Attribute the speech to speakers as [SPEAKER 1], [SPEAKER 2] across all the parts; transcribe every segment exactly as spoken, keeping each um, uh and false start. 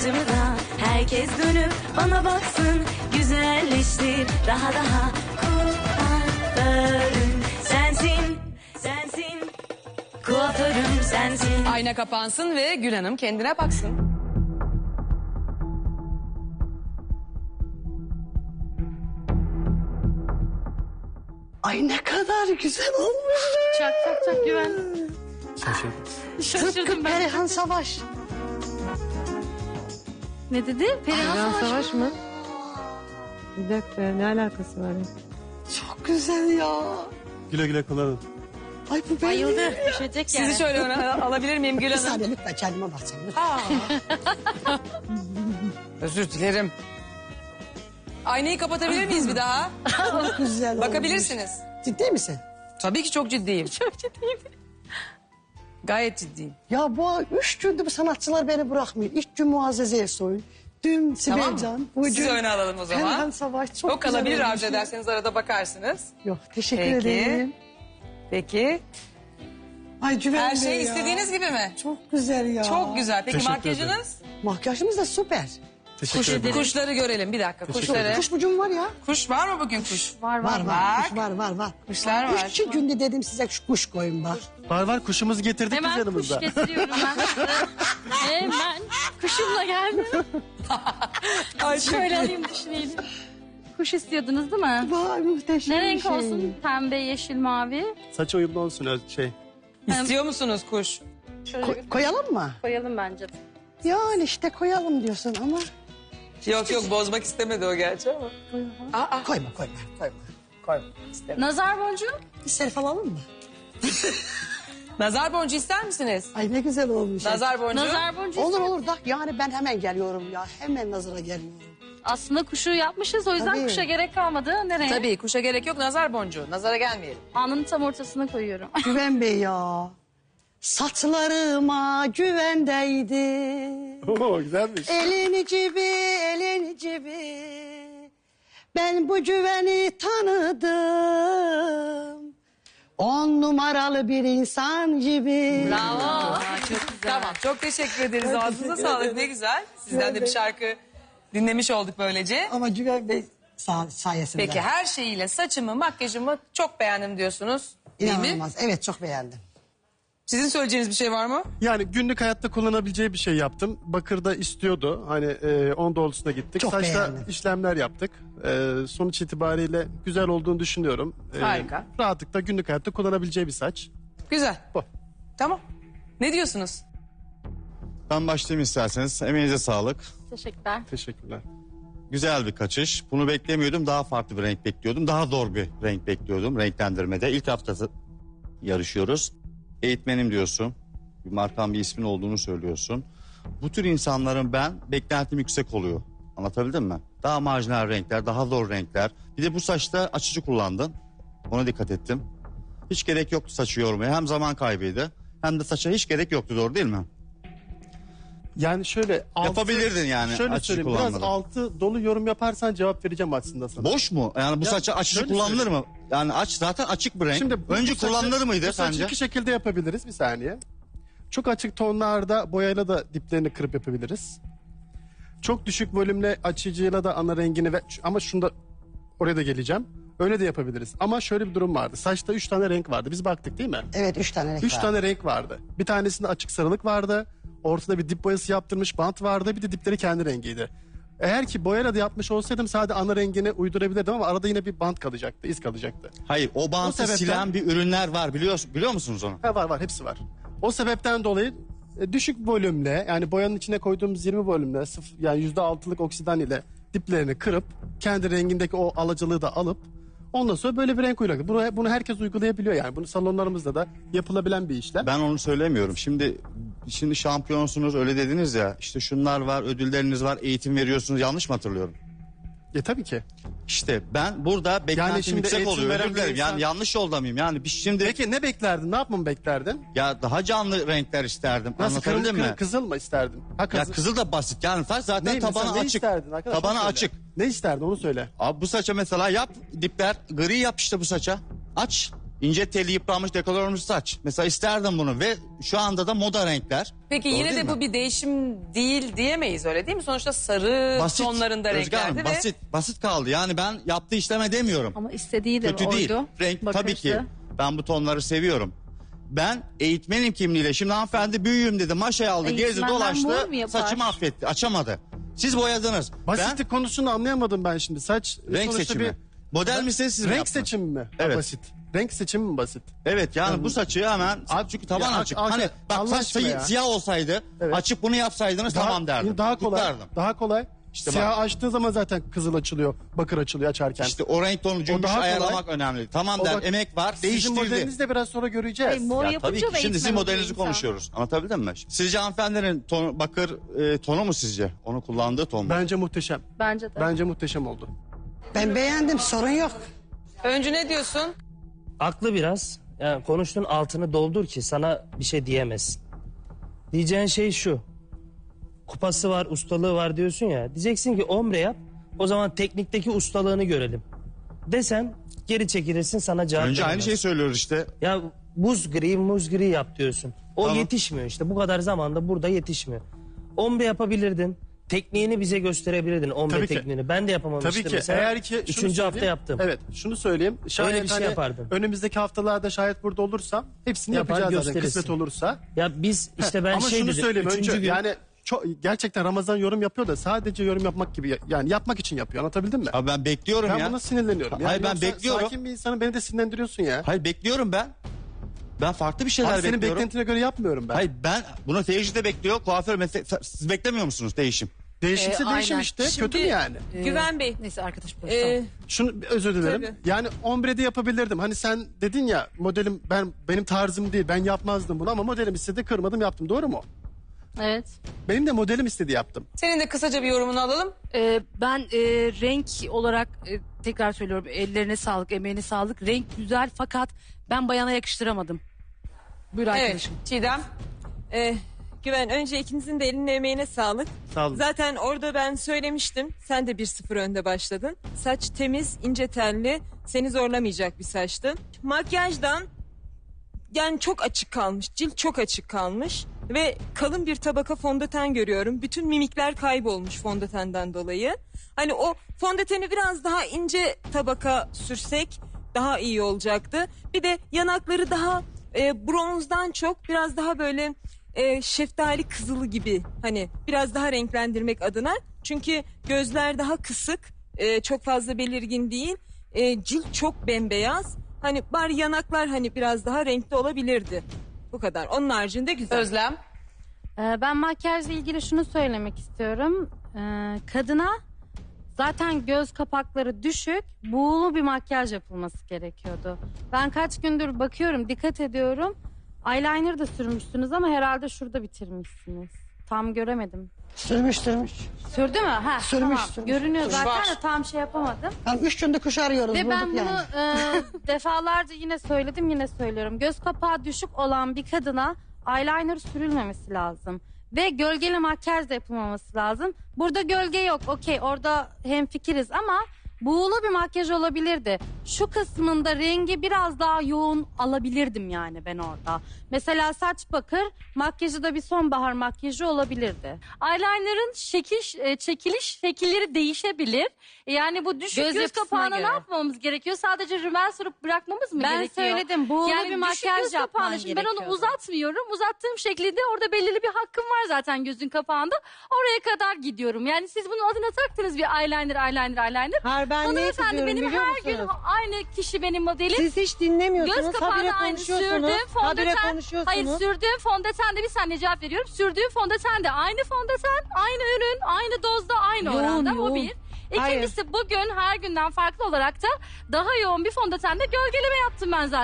[SPEAKER 1] saçımı da herkes dönüp bana baksın. Güzelleştir daha daha kuaförüm sensin, sensin. Kuaförüm sensin.
[SPEAKER 2] Ayna kapansın ve Gül Hanım kendine baksın.
[SPEAKER 3] Ay ne kadar güzel olmuş.
[SPEAKER 4] Çok çok çok güven.
[SPEAKER 5] Şaşırdım.
[SPEAKER 4] Şaşırdım
[SPEAKER 3] Tıpkı
[SPEAKER 4] ben.
[SPEAKER 3] Perihan Savaş.
[SPEAKER 4] Ne dedi? Perihan
[SPEAKER 6] Perihan
[SPEAKER 4] Savaş.
[SPEAKER 6] Savaş mı? Bir dakika, ne alakası var? ya?
[SPEAKER 3] Çok güzel ya.
[SPEAKER 5] Güle güle kullanın.
[SPEAKER 3] Ay bu benim.
[SPEAKER 4] Bayıldı. Düşecek yani.
[SPEAKER 2] Sizi şöyle öne alabilir miyim Gül
[SPEAKER 3] Bir
[SPEAKER 2] Hanım?
[SPEAKER 3] saniye lütfen kendime bakacağım.
[SPEAKER 2] Aa. Özür dilerim. Aynayı kapatabilir miyiz bir daha?
[SPEAKER 3] Çok güzel
[SPEAKER 2] Bakabilirsiniz.
[SPEAKER 3] olmuş. Ciddi misin?
[SPEAKER 2] Tabii ki çok ciddiyim.
[SPEAKER 4] Çok ciddiyim.
[SPEAKER 2] Gayet ciddiyim.
[SPEAKER 3] Ya bu üç gündür bu sanatçılar beni bırakmıyor. İlk gün Muazzez Ersoy. Dün Sibel
[SPEAKER 2] Tamam
[SPEAKER 3] Can.
[SPEAKER 2] mı?
[SPEAKER 3] bugün
[SPEAKER 2] Sizi öne alalım o zaman.
[SPEAKER 3] Perihan Savaş. Çok
[SPEAKER 2] Yok
[SPEAKER 3] güzel
[SPEAKER 2] kalabilir
[SPEAKER 3] olmuş
[SPEAKER 2] arzu
[SPEAKER 3] ya.
[SPEAKER 2] ederseniz arada bakarsınız.
[SPEAKER 3] Yok teşekkür
[SPEAKER 2] Peki.
[SPEAKER 3] ederim.
[SPEAKER 2] Peki.
[SPEAKER 3] Ay Güven
[SPEAKER 2] Her
[SPEAKER 3] Bey
[SPEAKER 2] şey
[SPEAKER 3] ya.
[SPEAKER 2] istediğiniz gibi mi?
[SPEAKER 3] Çok güzel ya.
[SPEAKER 2] Çok güzel. Peki
[SPEAKER 5] Teşekkür
[SPEAKER 2] makyajınız?
[SPEAKER 3] Makyajımız da süper.
[SPEAKER 5] Teşekkür
[SPEAKER 2] Kuş,
[SPEAKER 5] ederim.
[SPEAKER 2] kuşları görelim bir dakika. Kuşları.
[SPEAKER 3] Kuş bucum var ya.
[SPEAKER 2] Kuş var mı bugün kuş?
[SPEAKER 4] Var var.
[SPEAKER 3] Var var.
[SPEAKER 2] Bak.
[SPEAKER 3] Kuş var var var.
[SPEAKER 2] Kuşlar var.
[SPEAKER 3] Üç günde dedim size şu kuş koyun bak.
[SPEAKER 5] Var var kuşumuzu getirdik biz
[SPEAKER 4] Hemen kuş
[SPEAKER 5] yanımızda.
[SPEAKER 4] getiriyorum ben size. Hemen kuşumla geldim.
[SPEAKER 2] Ay,
[SPEAKER 4] Şöyle alayım düşünelim. Kuş istiyordunuz değil mi?
[SPEAKER 3] Vay muhteşem
[SPEAKER 4] Ne
[SPEAKER 3] bir
[SPEAKER 4] renk
[SPEAKER 3] şey.
[SPEAKER 4] olsun? Pembe, yeşil, mavi.
[SPEAKER 5] Saça uyumlu olsun öz- şey.
[SPEAKER 2] İstiyor musunuz kuş?
[SPEAKER 4] Şöyle
[SPEAKER 3] Ko- koyalım mı?
[SPEAKER 4] koyalım bence.
[SPEAKER 3] Yani işte koyalım diyorsun ama.
[SPEAKER 2] Yok yok bozmak istemedi o gerçi ama. Aa,
[SPEAKER 3] Koyma koyma koyma. Koyma.
[SPEAKER 4] Nazar boncuğu.
[SPEAKER 3] Bir selfie alalım mı?
[SPEAKER 2] nazar boncuğu ister misiniz?
[SPEAKER 3] Ay ne güzel olmuş.
[SPEAKER 2] Nazar boncuğu.
[SPEAKER 4] Nazar boncuğu.
[SPEAKER 3] Olur olur da yani ben hemen geliyorum ya. Hemen nazara geliyorum.
[SPEAKER 4] Aslında kuşu yapmışız o yüzden
[SPEAKER 3] Tabii.
[SPEAKER 4] kuşa gerek kalmadı. Nereye?
[SPEAKER 2] Tabii kuşa gerek yok nazar boncuğu. Nazara gelmeyelim.
[SPEAKER 4] Alnının tam ortasına koyuyorum.
[SPEAKER 3] Güven Bey ya. Saçlarıma güvendeydi.
[SPEAKER 5] Oo güzelmiş.
[SPEAKER 3] Elini cibi, elini cibi. Ben bu güveni tanıdım. On numaralı bir insan gibi.
[SPEAKER 4] Bravo. Çok güzel.
[SPEAKER 2] Tamam çok teşekkür ederiz. Ağzınıza sağlık ne güzel. Sizden de bir şarkı dinlemiş olduk böylece.
[SPEAKER 3] Ama Güven Bey sa- sayesinde.
[SPEAKER 2] Peki her şeyiyle saçımı makyajımı çok beğendim diyorsunuz. Değil mi?
[SPEAKER 3] İnanılmaz. Evet çok beğendim.
[SPEAKER 2] Sizin söyleyeceğiniz bir şey var mı?
[SPEAKER 5] Yani günlük hayatta kullanabileceği bir şey yaptım. Bakır'da istiyordu. Hani e, on doğrultusuna gittik.
[SPEAKER 3] Çok
[SPEAKER 5] Saçta
[SPEAKER 3] beğendim.
[SPEAKER 5] işlemler yaptık. E, sonuç itibariyle güzel olduğunu düşünüyorum. E,
[SPEAKER 2] Harika.
[SPEAKER 5] Rahatlıkla günlük hayatta kullanabileceği bir saç.
[SPEAKER 2] Güzel.
[SPEAKER 5] Bu.
[SPEAKER 2] Tamam. Ne diyorsunuz?
[SPEAKER 7] Ben başlayayım isterseniz. Emeğinize sağlık.
[SPEAKER 4] Teşekkürler.
[SPEAKER 5] Teşekkürler.
[SPEAKER 7] Güzel bir kaçış. Bunu beklemiyordum. Daha farklı bir renk bekliyordum. Daha zor bir renk bekliyordum renklendirmede. İlk haftası yarışıyoruz. Eğitmenim diyorsun. Bir markan bir ismin olduğunu söylüyorsun. Bu tür insanların ben beklentim yüksek oluyor. Anlatabildim mi? Daha marjinal renkler, daha zor renkler. Bir de bu saçta açıcı kullandın. Ona dikkat ettim. Hiç gerek yoktu saçı yormaya. Hem zaman kaybıydı hem de saça hiç gerek yoktu, doğru değil mi?
[SPEAKER 5] Yani şöyle altı,
[SPEAKER 7] Yapabilirdin yani
[SPEAKER 5] Şöyle
[SPEAKER 7] açıcı
[SPEAKER 5] söyleyeyim biraz
[SPEAKER 7] kullanmadan.
[SPEAKER 5] altı dolu yorum yaparsan cevap vereceğim aslında sana.
[SPEAKER 7] Boş mu? Yani bu
[SPEAKER 5] Ya,
[SPEAKER 7] saça açıcı
[SPEAKER 5] şöyle
[SPEAKER 7] kullanılır
[SPEAKER 5] söyleyeyim.
[SPEAKER 7] mı? Yani aç zaten açık bir renk.
[SPEAKER 5] Şimdi bu-
[SPEAKER 7] Önce
[SPEAKER 5] bu saçı-
[SPEAKER 7] kullanılır mıydı
[SPEAKER 5] bu saçı
[SPEAKER 7] sence?
[SPEAKER 5] iki şekilde yapabiliriz bir saniye. Çok açık tonlarda boyayla da diplerini kırıp yapabiliriz. Çok düşük volümle açıcıyla da ana rengini ve ama şunda oraya da geleceğim. Öyle de yapabiliriz. Ama şöyle bir durum vardı. Saçta üç tane renk vardı. Biz baktık değil mi?
[SPEAKER 3] Evet üç tane renk
[SPEAKER 5] Üç
[SPEAKER 3] var.
[SPEAKER 5] tane renk vardı. Bir tanesinde açık sarılık vardı. Ortada bir dip boyası yaptırmış bant vardı. Bir de dipleri kendi rengiydi. Eğer ki boyayla da yapmış olsaydım sadece ana rengini uydurabilirdim ama arada yine bir bant kalacaktı, iz kalacaktı.
[SPEAKER 7] Hayır, o bantı
[SPEAKER 5] sebepten-
[SPEAKER 7] silen bir ürünler var, biliyor biliyor musunuz onu?
[SPEAKER 5] Ha, var var hepsi var. O sebepten dolayı e, düşük volümle yani boyanın içine koyduğumuz yirmi volümle sıfır, yani yüzde altılık oksidan ile diplerini kırıp kendi rengindeki o alıcılığı da alıp ondan sonra böyle bir renk uyguladık. Bunu, bunu herkes uygulayabiliyor yani. Bunu salonlarımızda da yapılabilen bir işlem.
[SPEAKER 7] Ben onu söylemiyorum. Şimdi şimdi şampiyonsunuz öyle dediniz ya. İşte şunlar var, ödülleriniz var, eğitim veriyorsunuz. Yanlış mı hatırlıyorum?
[SPEAKER 5] E tabii ki.
[SPEAKER 7] İşte ben burada beklentim
[SPEAKER 5] şimdi
[SPEAKER 7] yüksek
[SPEAKER 5] eğitim
[SPEAKER 7] oluyor.
[SPEAKER 5] veren
[SPEAKER 7] Özür
[SPEAKER 5] bir
[SPEAKER 7] dilerim.
[SPEAKER 5] insan-
[SPEAKER 7] Yani yanlış yolda mıyım? Yani biz şimdi
[SPEAKER 5] Peki ne beklerdin? Ne yapmamı beklerdin?
[SPEAKER 7] ya daha canlı renkler isterdim.
[SPEAKER 5] Nasıl kırmızı
[SPEAKER 7] Anlatabildim mi?
[SPEAKER 5] kır, kızıl mı isterdin? Ha,
[SPEAKER 7] Ya
[SPEAKER 5] kızıl.
[SPEAKER 7] kızıl da basit. Yani saç zaten
[SPEAKER 5] Ne, mesela
[SPEAKER 7] tabanı
[SPEAKER 5] ne
[SPEAKER 7] açık.
[SPEAKER 5] isterdin arkadaş?
[SPEAKER 7] Tabanı
[SPEAKER 5] Onu söyle.
[SPEAKER 7] açık.
[SPEAKER 5] Ne isterdin onu söyle.
[SPEAKER 7] Abi bu saça mesela yap dipler gri yap işte bu saça. Aç. İnce telli yıpranmış dekolte olmuş saç. Mesela isterdim bunu ve şu anda da moda renkler.
[SPEAKER 2] Peki
[SPEAKER 7] Doğru
[SPEAKER 2] yine
[SPEAKER 7] değil
[SPEAKER 2] de bu
[SPEAKER 7] mi?
[SPEAKER 2] bir değişim değil diyemeyiz öyle değil mi? Sonuçta sarı tonlarında
[SPEAKER 7] Özge Hanım,
[SPEAKER 2] renklerdi ve
[SPEAKER 7] basit, basit kaldı. Yani ben yaptığı işleme demiyorum.
[SPEAKER 4] Ama istediği de
[SPEAKER 7] Kötü
[SPEAKER 4] oydu.
[SPEAKER 7] değil. Renk tabii
[SPEAKER 4] Bakırdı.
[SPEAKER 7] ki ben bu tonları seviyorum. Ben eğitmenim kimliğiyle şimdi hanımefendi büyüğüm dedi maşayı aldı gezdi
[SPEAKER 4] Eğitmenden
[SPEAKER 7] dolaştı
[SPEAKER 4] mor mu yapar?
[SPEAKER 7] saçımı affetti açamadı. Siz boyadınız.
[SPEAKER 5] Basitlik konusunu anlayamadım ben şimdi. Saç
[SPEAKER 7] Ben renk
[SPEAKER 5] sonuçta
[SPEAKER 7] seçimi. Model misiniz siz mi
[SPEAKER 5] Renk
[SPEAKER 7] yaptınız?
[SPEAKER 5] seçimi mi?
[SPEAKER 7] Evet.
[SPEAKER 5] Basit. Renk seçimi mi basit?
[SPEAKER 7] Evet yani bu saçı hemen
[SPEAKER 5] Abi,
[SPEAKER 7] çünkü taban
[SPEAKER 5] ya,
[SPEAKER 7] açık.
[SPEAKER 5] ak-
[SPEAKER 7] Hani bak
[SPEAKER 5] Allah
[SPEAKER 7] saç
[SPEAKER 5] aşkına
[SPEAKER 7] sayı-
[SPEAKER 5] ya.
[SPEAKER 7] siyah olsaydı
[SPEAKER 5] Evet.
[SPEAKER 7] açıp bunu yapsaydınız tamam derdim.
[SPEAKER 5] Daha kolay.
[SPEAKER 7] Kutlardım.
[SPEAKER 5] Daha kolay.
[SPEAKER 7] İşte
[SPEAKER 5] Siyah
[SPEAKER 7] bak.
[SPEAKER 5] açtığı zaman zaten kızıl açılıyor. Bakır açılıyor açarken.
[SPEAKER 7] İşte o renk tonu
[SPEAKER 5] O
[SPEAKER 7] cümbüş
[SPEAKER 5] daha kolay.
[SPEAKER 7] ayarlamak önemli. Tamam
[SPEAKER 5] O
[SPEAKER 7] der
[SPEAKER 5] bak-
[SPEAKER 7] emek var
[SPEAKER 5] Sizin
[SPEAKER 7] değiştirdi.
[SPEAKER 5] modelinizi de biraz sonra göreceğiz.
[SPEAKER 4] Ay, mor
[SPEAKER 7] Ya
[SPEAKER 4] yapınca
[SPEAKER 7] tabii ki
[SPEAKER 4] da
[SPEAKER 7] şimdi sizin
[SPEAKER 4] eğitmen
[SPEAKER 7] modelinizi
[SPEAKER 4] oluyor insan.
[SPEAKER 7] konuşuyoruz. Anlatabildim mi? Sizce hanımefendinin tonu, bakır e, tonu mu sizce? Onu kullandığı ton mu?
[SPEAKER 5] Bence muhteşem.
[SPEAKER 4] Bence de.
[SPEAKER 5] Bence muhteşem oldu.
[SPEAKER 3] Ben beğendim, sorun yok.
[SPEAKER 2] Öncü ne diyorsun?
[SPEAKER 8] Aklı biraz. Yani konuştuğun altını doldur ki sana bir şey diyemezsin. Diyeceğin şey şu. Kupası var, ustalığı var diyorsun ya. Diyeceksin ki ombre yap. O zaman teknikteki ustalığını görelim. Desen geri çekilirsin sana cevap
[SPEAKER 7] Önce aynı
[SPEAKER 8] veremez.
[SPEAKER 7] şeyi söylüyoruz işte.
[SPEAKER 8] Ya buz gri, muz gri yap diyorsun. O
[SPEAKER 7] Tamam.
[SPEAKER 8] yetişmiyor işte. Bu kadar zamanda burada yetişmiyor. Ombre yapabilirdin. Tekniğini bize gösterebilirdin. Ombre
[SPEAKER 5] Tabii ki.
[SPEAKER 8] tekniğini. Ben de yapamamıştım
[SPEAKER 5] Tabii ki.
[SPEAKER 8] mesela.
[SPEAKER 5] Eğer ki şunu
[SPEAKER 8] Üçüncü hafta
[SPEAKER 5] söyleyeyim.
[SPEAKER 8] yaptım.
[SPEAKER 5] Evet, şunu söyleyeyim. Şayet
[SPEAKER 8] Öyle bir şey
[SPEAKER 5] hani
[SPEAKER 8] yapardım.
[SPEAKER 5] önümüzdeki haftalarda şayet burada olursam hepsini
[SPEAKER 8] Yapar,
[SPEAKER 5] yapacağız zaten
[SPEAKER 8] gösterirsin.
[SPEAKER 5] kısmet olursa.
[SPEAKER 8] Ya biz işte ben
[SPEAKER 5] Ama
[SPEAKER 8] şey
[SPEAKER 5] şunu
[SPEAKER 8] dedim.
[SPEAKER 5] söyleyeyim
[SPEAKER 8] Üçüncü
[SPEAKER 5] önce
[SPEAKER 8] gün,
[SPEAKER 5] yani çok, gerçekten Ramazan yorum yapıyor da sadece yorum yapmak gibi yani yapmak için yapıyor. Anlatabildim mi?
[SPEAKER 7] Abi ben bekliyorum
[SPEAKER 5] Ben
[SPEAKER 7] ya.
[SPEAKER 5] buna sinirleniyorum.
[SPEAKER 7] Hayır, ben
[SPEAKER 5] yoksa
[SPEAKER 7] bekliyorum.
[SPEAKER 5] Sakin bir insanı beni de sinirlendiriyorsun ya.
[SPEAKER 7] Hayır bekliyorum ben. Ben farklı bir şeyler
[SPEAKER 5] Abi senin
[SPEAKER 7] bekliyorum.
[SPEAKER 5] beklentine göre yapmıyorum ben.
[SPEAKER 7] Hayır ben bunu teyirci de bekliyor. Kuaför meslek siz beklemiyor musunuz değişim?
[SPEAKER 5] Değişimse
[SPEAKER 9] Ee,
[SPEAKER 5] değişim
[SPEAKER 9] aynen.
[SPEAKER 5] işte.
[SPEAKER 2] Şimdi-
[SPEAKER 5] Kötü mü yani?
[SPEAKER 2] Güven Bey.
[SPEAKER 9] Neyse arkadaş boş.
[SPEAKER 2] e,
[SPEAKER 5] Şunu özür dilerim.
[SPEAKER 2] Tabii.
[SPEAKER 5] Yani ombrede yapabilirdim. Hani sen dedin ya modelim ben benim tarzım değil. Ben yapmazdım bunu ama modelim istedi kırmadım yaptım. Doğru mu?
[SPEAKER 4] Evet.
[SPEAKER 5] Benim de modelim istedi yaptım.
[SPEAKER 2] senin de kısaca bir yorumunu alalım.
[SPEAKER 9] Ee, ben e, renk olarak e, tekrar söylüyorum ellerine sağlık, emeğine sağlık. Renk güzel fakat ben bayana yakıştıramadım. Buyur
[SPEAKER 2] Evet
[SPEAKER 9] arkadaşım.
[SPEAKER 2] Çiğdem.
[SPEAKER 10] Ee, Güven önce ikinizin de eline emeğine sağlık.
[SPEAKER 5] Sağ olun.
[SPEAKER 10] Zaten orada ben söylemiştim. Sen de bir sıfır önde başladın. Saç temiz, ince telli. Seni zorlamayacak bir saçtı. Makyajdan yani çok açık kalmış. Cilt çok açık kalmış. Ve kalın bir tabaka fondöten görüyorum. Bütün mimikler kaybolmuş fondötenden dolayı. Hani o fondöteni biraz daha ince tabaka sürsek daha iyi olacaktı. Bir de yanakları daha e, bronzdan çok biraz daha böyle e, şeftali kızılı gibi. Hani biraz daha renklendirmek adına. Çünkü gözler daha kısık. e, çok fazla belirgin değil. E, cilt çok bembeyaz. Hani bari yanaklar hani biraz daha renkli olabilirdi. Bu kadar. Onun haricinde güzel.
[SPEAKER 2] Özlem.
[SPEAKER 4] Ee, ben makyajla ilgili şunu söylemek istiyorum. Ee, kadına zaten göz kapakları düşük, buğulu bir makyaj yapılması gerekiyordu. Ben kaç gündür bakıyorum, dikkat ediyorum. Eyeliner da sürmüşsünüz ama herhalde şurada bitirmişsiniz. Tam göremedim.
[SPEAKER 3] Sürmüş sürmüş.
[SPEAKER 4] Sürdü mü? Ha,
[SPEAKER 3] Sürmüş,
[SPEAKER 4] tamam.
[SPEAKER 3] sürmüş.
[SPEAKER 4] Görünüyor
[SPEAKER 2] Tuş
[SPEAKER 4] zaten
[SPEAKER 2] var.
[SPEAKER 4] de tam şey yapamadım.
[SPEAKER 3] Yani üç gündür kuş arıyoruz.
[SPEAKER 4] Ve
[SPEAKER 3] bulduk
[SPEAKER 4] ben bunu
[SPEAKER 3] yani.
[SPEAKER 4] e, defalarca yine söyledim yine söylüyorum. Göz kapağı düşük olan bir kadına eyeliner sürülmemesi lazım. Ve gölgeli makyaj da yapılmaması lazım. Burada gölge yok. Okey orada hemfikiriz ama buğulu bir makyaj olabilirdi. Şu kısmında rengi biraz daha yoğun alabilirdim yani ben orada. Mesela saç bakır, makyajı da bir sonbahar makyajı olabilirdi.
[SPEAKER 11] Eyeliner'ın şekil, e, çekiliş şekilleri değişebilir. Yani bu düşük
[SPEAKER 4] Göz
[SPEAKER 11] göz,
[SPEAKER 4] yapısına
[SPEAKER 11] kapağına
[SPEAKER 4] göre.
[SPEAKER 11] ne yapmamız gerekiyor? Sadece rümel sürüp bırakmamız mı
[SPEAKER 4] Ben
[SPEAKER 11] gerekiyor?
[SPEAKER 4] söyledim buğulu
[SPEAKER 11] yani
[SPEAKER 4] bir
[SPEAKER 11] düşük
[SPEAKER 4] makyaj
[SPEAKER 11] göz
[SPEAKER 4] yapman
[SPEAKER 11] kapağına, şimdi ben onu
[SPEAKER 4] gerekiyordu.
[SPEAKER 11] uzatmıyorum. Uzattığım şekilde orada belirli bir hakkım var zaten gözün kapağında. Oraya kadar gidiyorum. Yani siz bunun adına taktınız bir eyeliner, eyeliner, eyeliner.
[SPEAKER 6] Hayır ben niye
[SPEAKER 11] Hanımefendi
[SPEAKER 6] kızıyorum
[SPEAKER 11] benim
[SPEAKER 6] biliyor
[SPEAKER 11] her gün
[SPEAKER 6] musunuz?
[SPEAKER 11] aynı kişi benim modelim.
[SPEAKER 6] Siz hiç dinlemiyorsunuz.
[SPEAKER 11] Göz kapağına
[SPEAKER 6] Habire
[SPEAKER 11] aynı
[SPEAKER 6] konuşuyorsunuz.
[SPEAKER 11] sürdüğüm
[SPEAKER 6] Habire
[SPEAKER 11] fondöten.
[SPEAKER 6] konuşuyorsunuz.
[SPEAKER 11] Hayır sürdüğüm fondöten de bir saniye cevap veriyorum. Sürdüğüm fondöten de aynı fondöten, aynı ürün, aynı dozda, aynı
[SPEAKER 6] Yoğun,
[SPEAKER 11] oranda.
[SPEAKER 6] yoğun.
[SPEAKER 11] O bir. İkincisi bugün her günden farklı olarak da daha yoğun bir fondötenle gölgeleme yaptım ben zaten.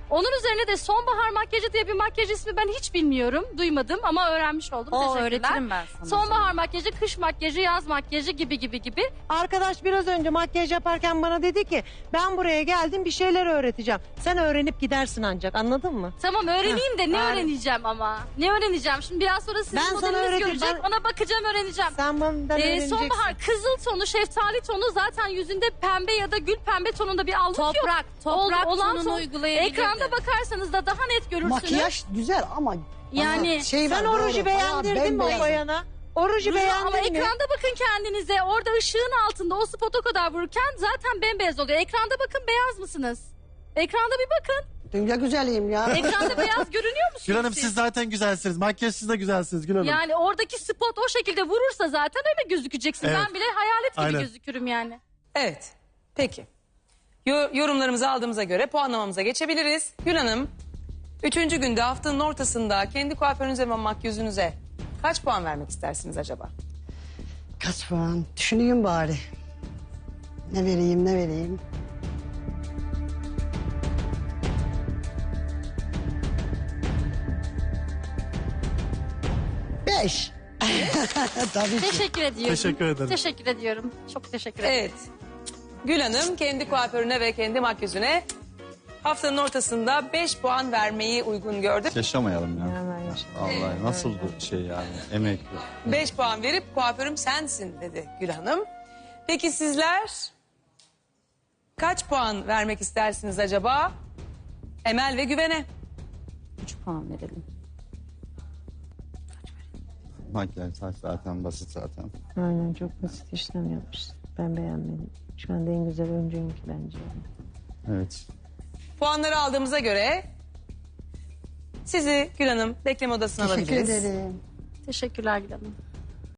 [SPEAKER 11] Onun üzerine de sonbahar makyajı diye bir makyaj ismi ben hiç bilmiyorum. Duymadım ama öğrenmiş oldum.
[SPEAKER 4] O
[SPEAKER 11] Teşekkürler.
[SPEAKER 4] öğretirim ben sana.
[SPEAKER 11] Sonbahar makyajı, kış makyajı, yaz makyajı gibi gibi gibi.
[SPEAKER 6] Arkadaş biraz önce makyaj yaparken bana dedi ki ben buraya geldim bir şeyler öğreteceğim. Sen öğrenip gidersin ancak, anladın mı?
[SPEAKER 11] Tamam öğreneyim de ne
[SPEAKER 6] Heh,
[SPEAKER 11] öğreneceğim ama? Ne öğreneceğim? Şimdi biraz sonra sizin
[SPEAKER 6] Ben sana
[SPEAKER 11] modeliniz
[SPEAKER 6] öğreteceğim.
[SPEAKER 11] görecek.
[SPEAKER 6] Ben-
[SPEAKER 11] Ona bakacağım, öğreneceğim.
[SPEAKER 6] Sen benden
[SPEAKER 11] Ee,
[SPEAKER 6] öğreneceksin.
[SPEAKER 11] sonbahar kızıl tonu, şeftali tonu, zaten yüzünde pembe ya da gül pembe tonunda bir allık yok.
[SPEAKER 4] Toprak, toprak
[SPEAKER 11] Ol- olan
[SPEAKER 4] tonunu
[SPEAKER 11] ton-
[SPEAKER 4] uygulayabilirdin.
[SPEAKER 11] Ekranda bakarsanız da daha net görürsünüz.
[SPEAKER 3] Makyaj güzel ama
[SPEAKER 11] Yani
[SPEAKER 3] bana şey
[SPEAKER 6] Sen
[SPEAKER 3] var,
[SPEAKER 6] o
[SPEAKER 3] doğru,
[SPEAKER 6] ruju
[SPEAKER 3] bayağı
[SPEAKER 6] beğendirdin mi o
[SPEAKER 3] bembeyaz.
[SPEAKER 6] bayana? O ruju
[SPEAKER 11] Ruju- ama
[SPEAKER 6] beğendin mi?
[SPEAKER 11] ekranda bakın kendinize. Orada ışığın altında o spot o kadar vururken zaten bembeyaz oluyor. Ekranda bakın, beyaz mısınız? Ekranda bir bakın.
[SPEAKER 3] Dünya güzeliyim ya.
[SPEAKER 11] Ekranda beyaz görünüyor musunuz
[SPEAKER 5] Gül Hanım siz zaten güzelsiniz. Makyajsız da güzelsiniz Gül Hanım.
[SPEAKER 11] Yani oradaki spot o şekilde vurursa zaten öyle gözükeceksin.
[SPEAKER 5] Evet.
[SPEAKER 11] Ben bile hayalet gibi
[SPEAKER 5] Aynen.
[SPEAKER 11] gözükürüm yani.
[SPEAKER 2] Evet. Peki. Yo- yorumlarımızı aldığımıza göre puanlamamıza geçebiliriz. Gül Hanım, üçüncü günde haftanın ortasında kendi kuaförünüze ve makyözünüze kaç puan vermek istersiniz acaba?
[SPEAKER 3] Kaç puan? Düşüneyim bari. Ne vereyim ne vereyim. Beş. Tabii ki.
[SPEAKER 11] Teşekkür ediyorum.
[SPEAKER 5] Teşekkür ederim.
[SPEAKER 11] Teşekkür ediyorum. Çok teşekkür ederim.
[SPEAKER 2] Evet. Gül Hanım kendi kuaförüne ve kendi makyözüne haftanın ortasında beş puan vermeyi uygun gördü.
[SPEAKER 7] Yaşamayalım ya.
[SPEAKER 6] Hemen yaşa.
[SPEAKER 7] Vallahi nasıl bir şey yani emek.
[SPEAKER 2] beş puan verip kuaförüm sensin dedi Gül Hanım. Peki sizler kaç puan vermek istersiniz acaba? Emel ve Güven'e.
[SPEAKER 4] üç puan verelim.
[SPEAKER 7] Makyaj saç zaten basit zaten.
[SPEAKER 6] Aynen, çok basit işlem yapmışsın. Ben beğenmedim. Şu anda en güzel öncüğünki bence.
[SPEAKER 7] Evet.
[SPEAKER 2] Puanları aldığımıza göre sizi Gül Hanım bekleme odasına
[SPEAKER 3] Teşekkür
[SPEAKER 2] alabiliriz.
[SPEAKER 3] ederim.
[SPEAKER 11] Teşekkürler Gül Hanım.